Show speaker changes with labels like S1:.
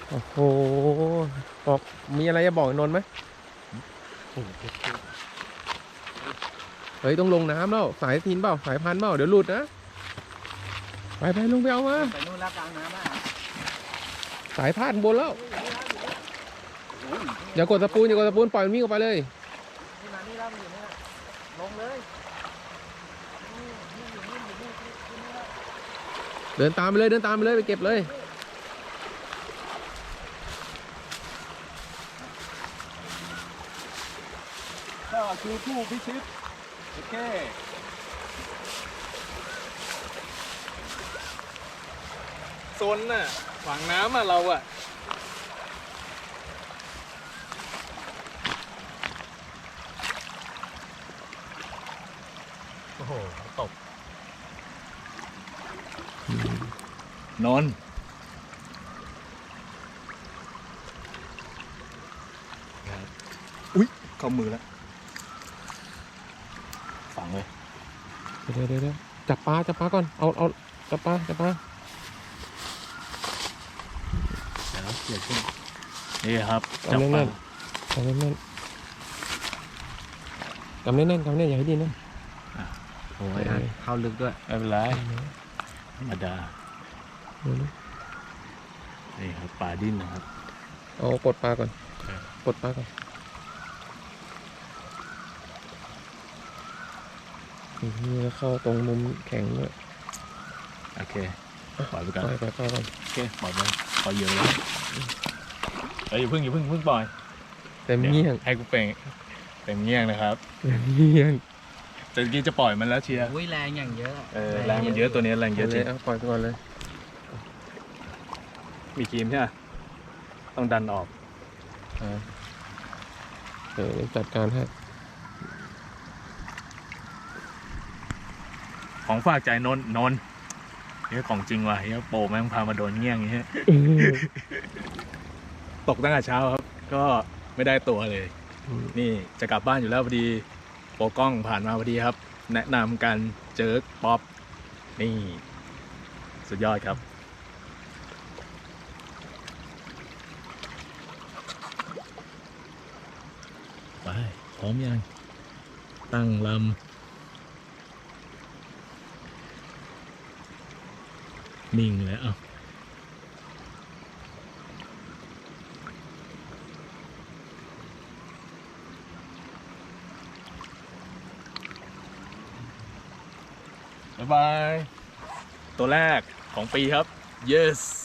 S1: โอ้โหบอกมีอะไรจะบอกนนท์ไหมเฮ้ยต้องลงน้ำแล้วสายทินเปล่าสายพันเปล่าเดี๋ยวหลุดนะไปลงไปเอามา
S2: ไปนู่นแล้วกลางน้ำอ่ะ
S1: สายพาดบนแล้วอย่ากดตะปูนปล่อยมันวิ่งออกไปเลย
S2: นี่มานี่แล้วมันอยู่นี่ลงเลย
S1: เดินตามไปเลยไปเก็บเลย
S3: ก็คือผู้พิชิตโอเคโซนน่ะหวังน้ำอ่ะเราอ่ะโอ้โหตกนนอุ๊ยเข้ามือแล้วฝังเลย
S1: เดี๋ยวจับปลาก่อนเอาจับปลา
S3: เดี๋ยวเดี๋ยวขึ้นนี่ครับจับปลา
S1: กำแน่นอย่าให้ดิ้นนะ
S2: โอ้ยเข้าลึกด้วย
S3: ไม่เป็นไรธรรมดานี่ครับปลาดิ้นนะครับ
S1: เอาปลดปลาก่อนนี่เข้าตรงมุมแข็งด้วย
S3: โอเคปล่อยไปก่อน
S1: ปล่อยก่อน
S3: โอเคปล่อยไปปล่อยเยอะแล้วอย่าเพิ่งปล่อย
S1: เต็มเงี้ยง
S3: ให้กูเต็มเงี้ยงนะครับ
S1: เงี้ยง
S3: แต่เมื่อกี้จะปล่อยมันแล้วเชียร์
S2: แรงอย่างเยอะ
S3: แรงมันเยอะตัวนี้แรงเยอะจริง
S1: ปล่อยก่อนเลย
S3: มีครีมใช่ไหมต้องดันออก
S1: จัดการให้
S3: ของฝากใจนนนี่ของจริงว่ะเฮียโปแม่งพามาโดนเงี้ยงอย่างเงี้ยตกตั้งแต่เช้าครับก็ไม่ได้ตัวเลยนี่จะกลับบ้านอยู่แล้วพอดีโปกล้องผ่านมาพอดีครับแนะนำกันเจอป๊อปนี่สุดยอดครับไปพร้อมยังตั้งลำนิ่งเลยบ๊ายบายตัวแรกของปีครับ yes